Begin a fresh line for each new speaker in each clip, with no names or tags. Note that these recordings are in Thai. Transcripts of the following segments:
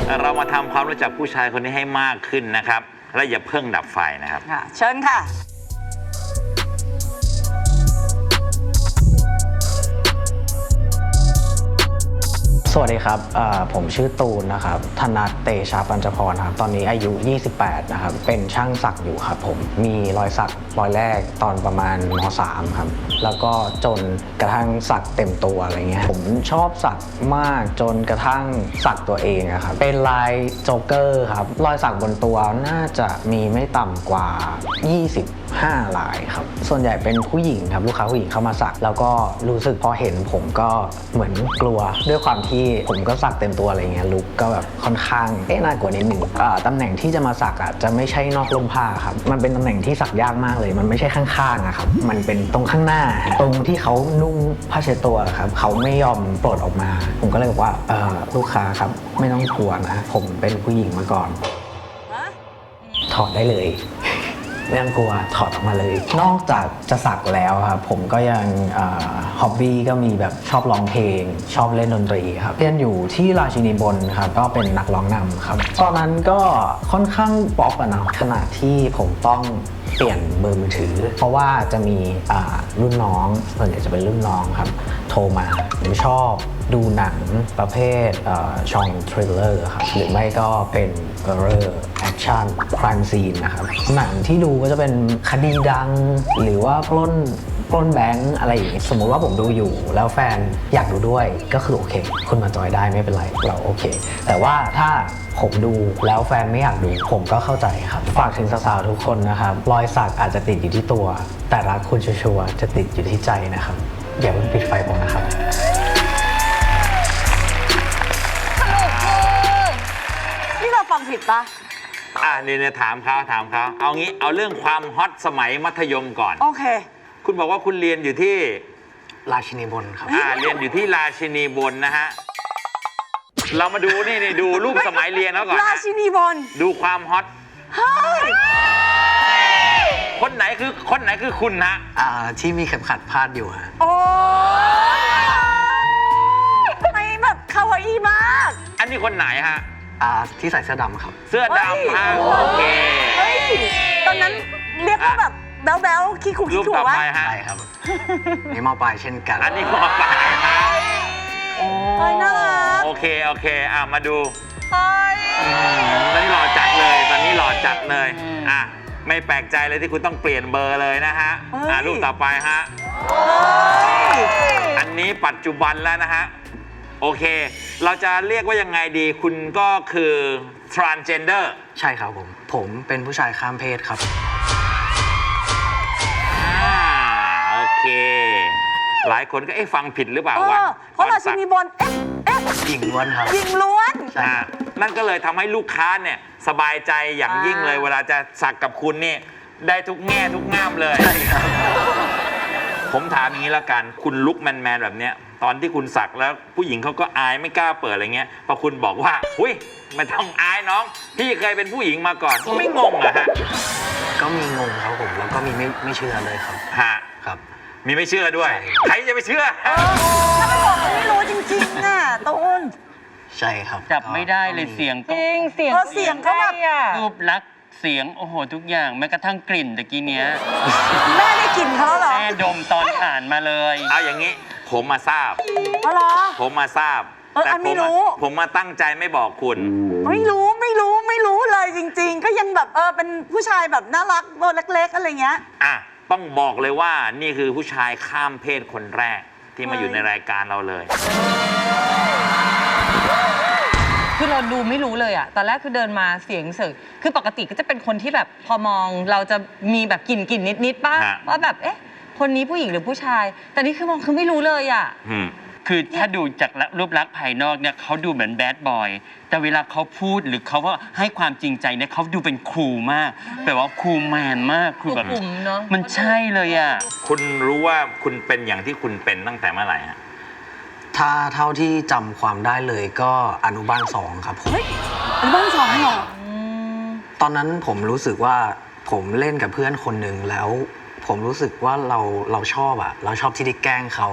เรามาทำความรู้จักผู้ชายคนนี้ให้มากขึ้นนะครับและอย่าเพิ่งดับไฟนะครับ
เชิญค่ะ
สวัสดีครับผมชื่อตูนนะครับธนัทเตชะปัญจพรครับตอนนี้อายุ 28 นะครับเป็นช่างสักอยู่ครับผมมีรอยสักรอยแรกตอนประมาณม.3 ครับแล้วก็จนกระทั่งสักเต็มตัวอะไรเงี้ยผมชอบสักมากจนกระทั่งสักตัวเองครับเป็นลายโจ๊กเกอร์ครับรอยสักบนตัวน่าจะมีไม่ต่ำกว่า 25 ลายครับส่วนใหญ่เป็นผู้หญิงครับลูกค้าผู้หญิงเข้ามาสักแล้วก็รู้สึกพอเห็นผมก็เหมือนกลัวด้วยความที่ผมก็สักเต็มตัวอะไรเงี้ยลุคก็แบบค่อนข้างน่ากลัวนิดหนึ่งตำแหน่งที่จะมาสักจะไม่ใช่นอกร่มผ้าครับมันเป็นตำแหน่งที่สักยากมากเลยมันไม่ใช่ข้างๆครับมันเป็นตรงข้างหน้าตรงที่เขานุ่งผ้าเช็ดตัวครับเขาไม่ยอมปลดออกมาผมก็เลยบอกว่าลูกค้าครับไม่ต้องกลัวนะผมเป็นผู้หญิงมาก่อนถอดได้เลยไม่ต้องกลัวถอดออกมาเลยนอกจากจะสักแล้วครับผมก็ยังฮ็อบบี้ก็มีแบบชอบร้องเพลงชอบเล่นดนตรีครับเรียนอยู่ที่ราชินีบนครับก็เป็นนักร้องนำครับตอนนั้นก็ค่อนข้างป๊อปนะขณะที่ผมต้องเปลี่ยนเบอร์มือถือเพราะว่าจะมีรุ่นน้องส่วนใหญ่จะเป็นรุ่นน้องครับโทรมาผมชอบดูหนังประเภทช่องทริลเลอร์ครับหรือไม่ก็เป็นฮอร์เรอร์แอคชั่นครามซีนนะครับหนังที่ดูก็จะเป็นคดีดังหรือว่าปล้นแบงค์อะไรอย่างนี้สมมุติว่าผมดูอยู่แล้วแฟนอยากดูด้วยก็คือโอเคคุณมาจอยได้ไม่เป็นไรเราโอเคแต่ว่าถ้าผมดูแล้วแฟนไม่อยากดูผมก็เข้าใจครับฝากถึงสาวๆทุกคนนะครับรอยสักอาจจะติดอยู่ที่ตัวแต่รักคุณชัวร์ๆจะติดอยู่ที่ใจนะครับอย่าเพิ่งปิดไฟผมนะครับ
นี่เราฟังผิดปะ
เนี่ยถามเขาเอางี้เอาเรื่องความฮอตสมัยมัธยมก่อน
โอเค
คุณบอกว่าคุณเรียนอยู่ที่
ราชินีบนครับ
เรียนอยู่ที่ราชินีบนนะฮะเรามาดูนี่ดูรูปสมัยเรียนแล้วก่อน
ราชินีบน
ดูความฮอตคนไหนคือคุณฮะ
ที่มีเข็มขัดพาดอยู่ฮะ
โอ้ทำไมแบบคาวาอี้มาก
อันนี้คนไหนฮะ
ที่ใส่เสื้อดำครับ
เสื้อดำฮะโอเค
ตอนนั้นเรียกว่าแบบแบ๊วขี้ขู่
รูปต่อไปฮะ
ใช่ครับนี่มอปลายเช่นกัน
อันนี้มอปลายฮะ
โอ้ยน่ารัก
โอเคมาดูตอนนี้หล่อจัดเลยไม่แปลกใจเลยที่คุณต้องเปลี่ยนเบอร์เลยนะฮะรูปต่อไปฮะอันนี้ปัจจุบันแล้วนะฮะโอเคเราจะเรียกว่ายังไงดีคุณก็คือ transgender
ใช่ครับผมเป็นผู้ชายข้ามเพศครับ
โอเคหลายคนก็ฟังผิดหรือเปล่าวะ
เพราะราชินีบน
หญิงล้วนครับ
หญิงล้วน
นั่นก็เลยทำให้ลูกค้าเนี่ยสบายใจอย่างยิ่งเลยเวลาจะสักกับคุณนี่ได้ทุกแง่ทุกง่ามเลย
ใช่ครับ
ผมถามอย่างนี้แล้วกันคุณลุคแมนแบบเนี้ยตอนที่คุณสักแล้วผู้หญิงเขาก็อายไม่กล้าเปิดอะไรเงี้ยพอคุณบอกว่าอุ้ยไม่ต้องอายน้องพี่เคยเป็นผู้หญิงมาก่อนไม่งงเหรอฮะ
ก็มีงงครับผมแล้วก็มีไม่เชื่อเลยครับครับ
มีไม่เชื่อด้วยใครจะไปเชื่อ
ถ้าไม่บอกมันไม่รู้จริงๆน่ะตูน
ใช่ครับ
จับไม่ได้เลยเสียง
จริงเสียงเขาแบบ
รูปลักษณ์เสียงโอ้โหทุกอย่างแม้กระทั่งกลิ่นตะกี้เนี้ย
แม่ได้กลิ่นเขาเหรอ
แม่ดมตอนอ่านมาเลย
เอาอย่างนี้ผมมาทราบ
เหรอ
ผมมาทราบ
แต่
ผมมาตั้งใจไม่บอกคุณ
ไม่รู้เลยจริงๆก็ยังแบบเป็นผู้ชายแบบน่ารักตัวเล็กๆอะไรเงี้ย
ต้องบอกเลยว่านี่คือผู้ชายข้ามเพศคนแรกที่มาอยู่ในรายการเราเลย
คือเราดูไม่รู้เลยอะตอนแรกคือเดินมาเสียงเสยคือปกติก็จะเป็นคนที่แบบพอมองเราจะมีแบบกลิ่นนิดป่ะว่าแบบคนนี้ผู้หญิงหรือผู้ชายแต่นี่คือมองคือไม่รู้เลยอะ
คือถ้าดูจากรูปลักษณ์ภายนอกเนี่ยเขาดูเหมือนแบดบอยแต่เวลาเขาพูดหรือเขาว่าให้ความจริงใจเนี่ยเขาดูเป็นคูลมากแบบว่าคูลแมนมาก
คือแบบ
มันใช่เลยอะ
คุณรู้ว่าคุณเป็นอย่างที่คุณเป็นตั้งแต่เมื่อไหร่ฮะ
ถ้าเท่าที่จำความได้เลยก็อนุบาล2ครับผม
อนุบาล2เหรอ
ตอนนั้นผมรู้สึกว่าผมเล่นกับเพื่อนคนหนึ่งแล้วผมรู้สึกว่าเราชอบเราชอบที่ได้แกล้งเขา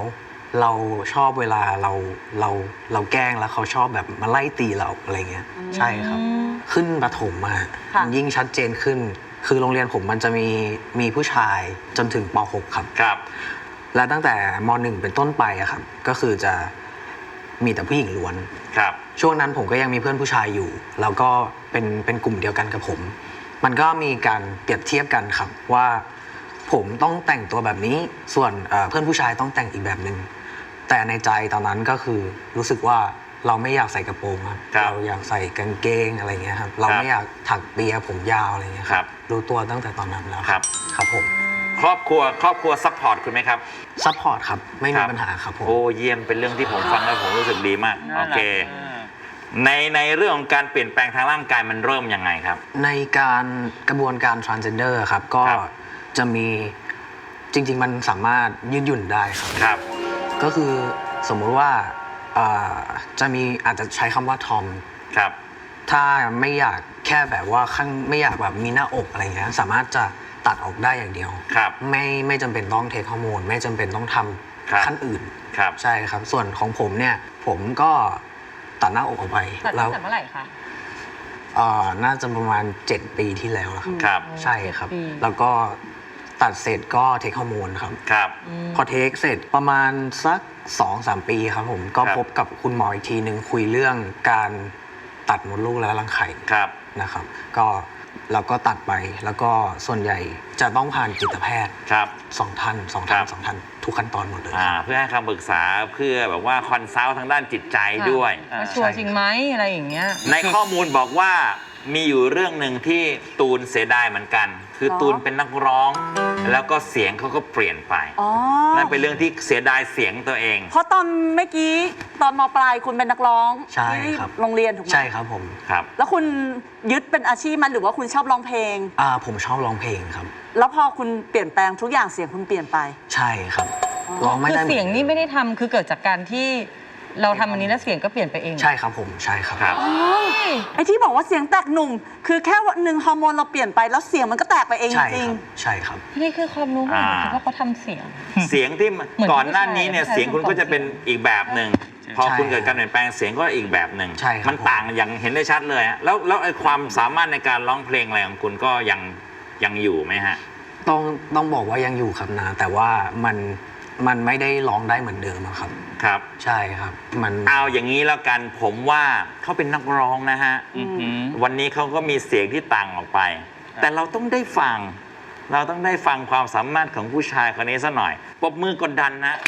เราชอบเวลาเราแกล้งแล้วเขาชอบแบบมาไล่ตีเราอะไรเงี้ยใช่ครับ ขึ้นประถมมา
ค่ะ
ยิ่งชัดเจนขึ้น คือโรงเรียนผมมันจะมีผู้ชายจนถึงป .6 ครับ
ครับ
และตั้งแต่ม .1 เป็นต้นไปอะครับก็คือจะมีแต่ผู้หญิงล้วน
ครับ
ช่วงนั้นผมก็ยังมีเพื่อนผู้ชายอยู่ แล้วก็เป็นกลุ่มเดียวกันกับผม มันก็มีการเปรียบเทียบกันครับว่าผมต้องแต่งตัวแบบนี้ส่วนเพื่อนผู้ชายต้องแต่งอีกแบบหนึ่งแต่ในใจตอนนั้นก็คือรู้สึกว่าเราไม่อยากใส่กระโปรงครับ
ครับ
เราอยากใส่กางเกงอะไรเงี้ยครับเราไม่อยากถักเปียผมยาวอะไรเงี้ย
ครับ
รู้ตัวตั้งแต่ตอนนั้นแล้ว
ครับ
ครับผม
ครอบครัวซัพพอร์ตคุณไหมครับ
ซัพพอร์ตครับไม่
ค
มี
รับ
ปัญหาครับผม
โอ้เยี่ยมเป็นเรื่องที่ผมฟังแล้วผมรู้สึกดีมาก
น่า
โอ
รัก
เค
มาก
ในเรื่องของการเปลี่ยนแปลงทางร่างกายมันเริ่มยังไงครับ
ในการกระบวนการ transgender ครับก็
ครับ
จะมีจริง ๆ มันสามารถยืดหยุ่นได้ครับ
ครับ
ก็คือสมมุติว่าจะมีอาจจะใช้คำว่าทอม
ครับ
ถ้าไม่อยากแค่แบบว่าไม่อยากแบบมีหน้าอกอะไรเงี้ยสามารถจะตัดออกได้อย่างเดียว
ครับ
ไม่จำเป็นต้องเทคฮอร์โมนไม่จำเป็นต้องท
ครับ
ำขั้นอื่น
ครับ
ใช่ครับส่วนของผมเนี่ยผมก็ตัดหน้าอกออกไป
ตัด
แล้
ตั้
ว
งแต่เมื่อไหร่คะ
น่าจะประมาณ 7 ปีที่แล้วครับ
ครับ
ใช่ครับ
7 ปี
แล้วก็ตัดเสร็จก็เทคฮอร์โมนครับ
ครับ
พอเทคเสร็จประมาณสัก 2-3 ปีครับผมก็
ครับ
พบกับคุณหมออีกทีหนึ่งคุยเรื่องการตัดมดลูกและรังไข่
ครับ
นะครับก็เราก็ตัดไปแล้วก็ส่วนใหญ่จะต้องผ่านจิตแพทย์
ครับ
2 ท่าน
ครับ
ทุกขั้นตอนหมดเลย
เพื่อให้คำปรึกษาเพื่อแบบว่าคอนซัลท์ทางด้านจิตใจด้วย
ว่าชัวร์จริงไหมอะไรอย่างเงี้ย
ในข้อมูลบอกว่ามีอยู่เรื่องหนึ่งที่ตูนเสียดายเหมือนกัน คือตูนเป็นนักร้อง แล้วก็เสียงเขาก็เปลี่ยนไป
อ๋อ
นั่นเป็นเรื่องที่เสียดายเสียงตัวเอง
เพราะตอนเมื่อกี้ตอนมปลายคุณเป็นนักร้อง
ใช่
ที่
ครับ
โรงเรียนถูกไหม
ใช่ครับผม
ครับ
แล้วคุณยึดเป็นอาชีพมันหรือว่าคุณชอบร้องเพลง
ผมชอบร้องเพลงครับ
แล้วพอคุณเปลี่ยนแปลงทุกอย่างเสียงคุณเปลี่ยนไป
ใช่ครับร้องไม่
คือ
ได้หมือ
เสียงนี่ไม่ได้ทำคือเกิดจากการที่เราทำอันนี้แล้วเสียงก็เปลี่ยนไปเอง
ใช่ครับผมใช่ครับ
ครับ
ไอ้ที่บอกว่าเสียงแตกหนุ่ม คือแค่วันหนึ่งฮอร์โมนเราเปลี่ยนไปแล้วเสียงมันก็แตกไปเอง
ใช่
จริ
ค
ง
รับใช่ครับ
นี่คือความรู้ใหม่คือว่าเขาทำเสียง
เสียงที่
เหมือน
ก่อนหน้านี้เนี่ย
ผู้ชาย
เสียงคุณก็จะเป็นอีกแบบหนึ่งพอ
ใช่
คุณเกิดการเปลี่ยนแปลงเสียงก็อีกแบบหนึ่ง
ใช่ครับ
มันต่างอย่างเห็นได้ชัดเลยฮะแล้วไอ้ความสามารถในการร้องเพลงอะไรของคุณก็ยังอยู่ไหมฮะ
ต้องบอกว่ายังอยู่ครับนะแต่ว่ามันไม่ได้ร้องได้เหมือนเดิมอะครับ
ครับ
ใช่ครับมัน
เอาอย่างนี้แล้วกันผมว่าเขาเป็นนักร้องนะฮะ
อือหือ
วันนี้เขาก็มีเสียงที่ต่างออกไป แต่เราต้องได้ฟัง เราต้องได้ฟังความสามารถของผู้ชายคนนี้ซะหน่อยปรบมือกดดันนะ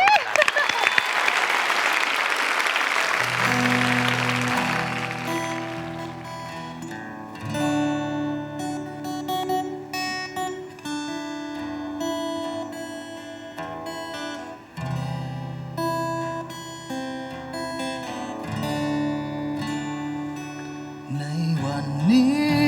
ในวันนี้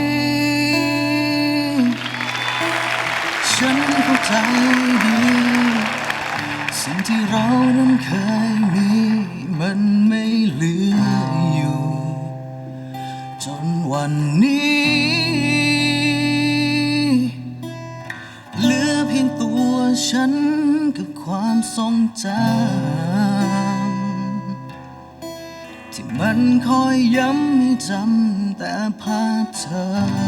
ฉันเข้าใจดี สิ่งที่เรานั้นเคยมีมันไม่เหลืออยู่ จนวันนี้ เหลือเพียงตัวฉันกับความทรงจำที่มันคอยย้ำให้จำแต่ภาพเธอ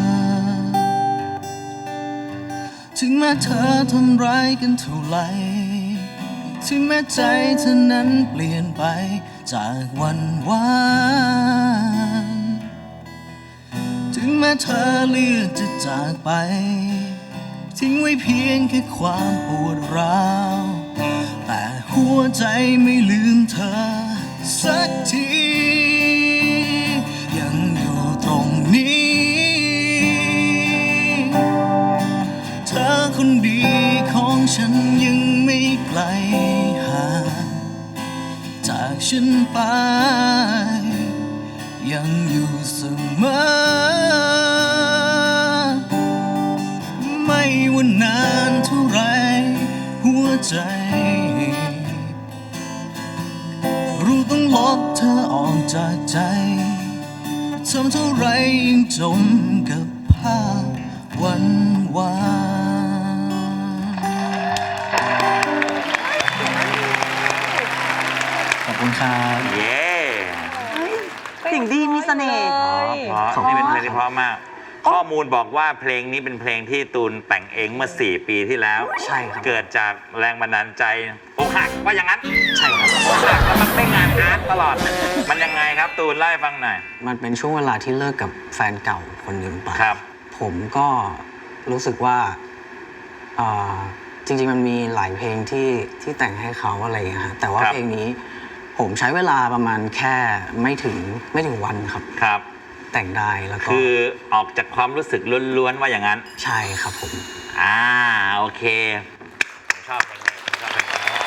ถึงแม้เธอทำร้ายกันเท่าไหร่ถึงแม้ใจเธอนั้นเปลี่ยนไปจากวันวานถึงแม้เธอเลือกจะจากไป ทิ้งไว้เพียงแค่ความปวดร้าวแต่หัวใจไม่ลืมเธอสักที ยังอยู่ตรงนี้ เธอคนดีของฉันยังไม่ไกลห่างจากฉันไป ยังอยู่เสมอ ไม่ว่านานเท่าไรหัวใจ รู้ต้องลบเธอออกจากใจทำเท่าไรยังจมกับภาพวันวานคุณครับ
เย้
เสียงดีมีเสน่ห์
เพราะนี่เป็นเพลงที่เพราะมาก ข้อมูลบอกว่าเพลงนี้เป็นเพลงที่ตูนแต่งเองเมื่อ 4 ปีที่แล้ว
ใช่ครับ
เกิดจากแรงบันดาลใจอกหักว่าอย่างนั้น
ใช่ครับ
อกหักแล้วมันได้งานอาร์ตตลอด มันยังไงครับตูนเล่าให้ฟังหน่อย
มันเป็นช่วงเวลาที่เลิกกับแฟนเก่าคนหนึ่งไป
ครับ
ผมก็รู้สึกว่าจริงๆมันมีหลายเพลงที่แต่งให้เขาอะไรอย่างเงี้ยฮะแต่ว่า
ครับ
เพลงนี้ผมใช้เวลาประมาณแค่ไม่ถึงวันครับ
ครับ
แต่งได้แล้วก็
คือออกจากความรู้สึกล้วนๆว่าอย่างนั้น
ใช่ครับผม
โอเคผมชอบเพลงนี้ผมชอบเพลงนี้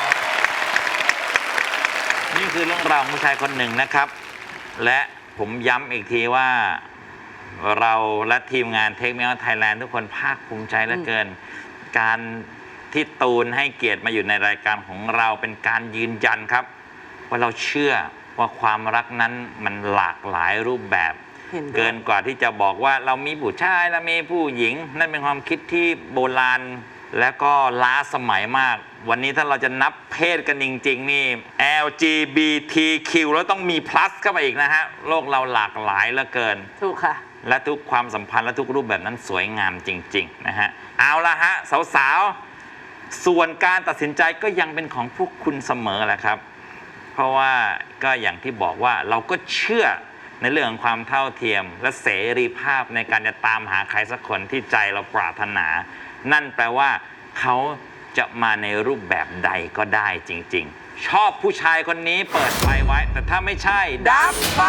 นี่คือเรื่องราวของผู้ชายคนหนึ่งนะครับ และผมย้ำอีกทีว่าเราและทีมงาน Take Me Out Thailand ทุกคนภาคภูมิใจเหลือเกิน การที่ตูนให้เกียรติมาอยู่ในรายการของเราเป็นการยืนยันครับ ว่าเราเชื่อว่าความรักนั้นมันหลากหลายรูปแบบ
เห็นด้วย
เกินกว่าที่จะบอกว่าเรามีผู้ชายเรามีผู้หญิง นั่นเป็นความคิดที่โบราณและก็ล้าสมัยมาก วันนี้ถ้าเราจะนับเพศกันจริงๆนี่ LGBTQ แล้วต้องมี plus เข้าไปอีกนะฮะ โลกเราหลากหลายเหลือเกิน
ถูกค่ะ
และทุกความสัมพันธ์และทุกรูปแบบนั้นสวยงามจริงๆนะฮะ เอาละฮะสาวๆ ส่วนการตัดสินใจก็ยังเป็นของพวกคุณเสมอแหละครับ เพราะว่าก็อย่างที่บอกว่าเราก็เชื่อในเรื่องของความเท่าเทียม และเสรีภาพในการจะตามหาใครสักคนที่ใจเราปรารถนา นั่นแปลว่าเขาจะมาในรูปแบบใดก็ได้จริงๆ ชอบผู้ชายคนนี้เปิดไฟไว้ แต่ถ้าไม่ใช่ดับไฟ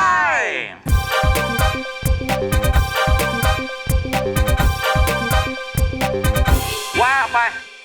ว่าไป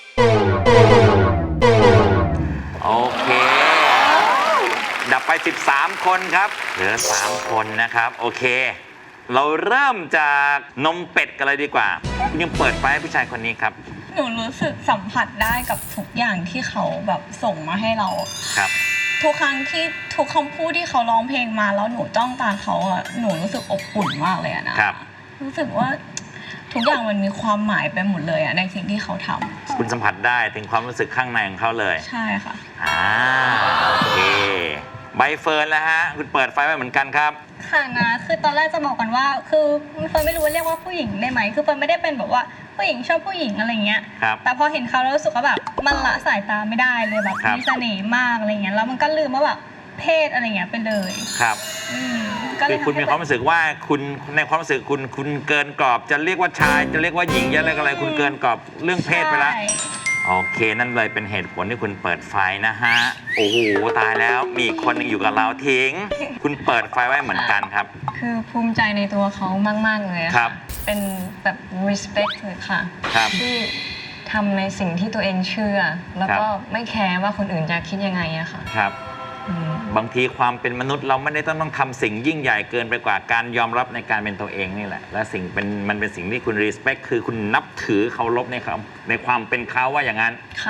โอเค ดับไป 13 คนครับ เหลือ 3 คนนะครับ โอเค เราเริ่มจากนมเป็ดกันเลยดีกว่ายังเปิดไฟให้ผู้ชายคนนี้ครับ
หนูรู้สึกสัมผัสได้กับทุกอย่างที่เขาแบบส่งมาให้เรา
ครับ
ทุกครั้งที่ทุกคำพูดที่เขาร้องเพลงมาแล้วหนูจ้องตาเขาอะหนูรู้สึกอบอุ่นมากเลยอะนะครับ รู้สึกว่าทุกอย่างมันมีความหมายไปหมดเลยอะในสิ่งที่เขาทำ
คุณสัมผัสได้ถึงความรู้สึกข้างในของเขาเลย
ใช่ค่ะ
โอเค ใบเฟิร์นแล้วฮะ คุณเปิดไฟไว้เหมือนกันครับ
ค่ะนะคือตอนแรกจะบอกกันว่า คือเฟิร์นไม่รู้ว่าเรียกว่าผู้หญิงได้ไหมคือเฟิร์นไม่ได้เป็นแบบว่าผู้หญิงชอบผู้หญิงอะไรเงี้ย
ครับ
แต่พอเห็นเขาแล้วรู้สึกว่าแบบมันละสายตาไม่ได้เลยแบบ
ครับ
มีเสน่ห์มากอะไรเงี้ยแล้วมันก็ลืมว่าแบบเพศอะไรเงี้ยไปเลย
ครับ
ก็เล
คื
ย
อคุณมีความรู้สึกว่าคุณในความรู้สึกคุณเกินกรอบจะเรียกว่าชายจะเรียกว่าหญิงจะเรียกอะไรคุณเกินกรอบเรื่องเพศไปแล้ว
ใช่
โอเค นั่นเลยเป็นเหตุผลที่คุณเปิดไฟนะฮะ โอ้โห ตายแล้ว มีอีกคนหนึงอยู่กับเราทิ้ง คุณเปิดไฟไว้เหมือนกันครับ
คือภูมิใจในตัวเขามากๆเลยอะ
ครับ
เป็นแบบ respect เลยค่ะ
ครับ
ที่ทำในสิ่งที่ตัวเองเชื่อ แล้วก็ไม่แคร์ว่าคนอื่นจะคิดยังไงอะค่ะ
ครับ บางทีความเป็นมนุษย์เราไม่ได้ต้องทำสิ่งยิ่งใหญ่เกินไปกว่าการยอมรับในการเป็นตัวเองนี่แหละ และมันเป็นสิ่งที่คุณ respect คือคุณนับถือเคารพในความเป็นเขาว่าอย่างนั้น
ค่ะ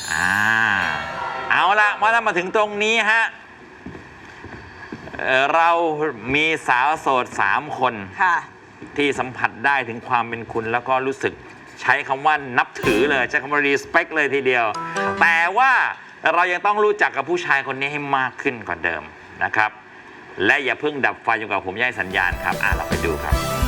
เอาละมาถึงตรงนี้ฮะเรามีสาวโสด3 คน
ค่ะ
ที่สัมผัสได้ถึงความเป็นคุณแล้วก็รู้สึกใช้คำว่านับถือเลยใช้คำว่า respect เลยทีเดียว แต่ว่าเรายังต้องรู้จักกับผู้ชายคนนี้ให้มากขึ้นกว่าเดิมนะครับ และอย่าเพิ่งดับไฟจนกว่าผมจะให้สัญญาณครับเราไปดูครับ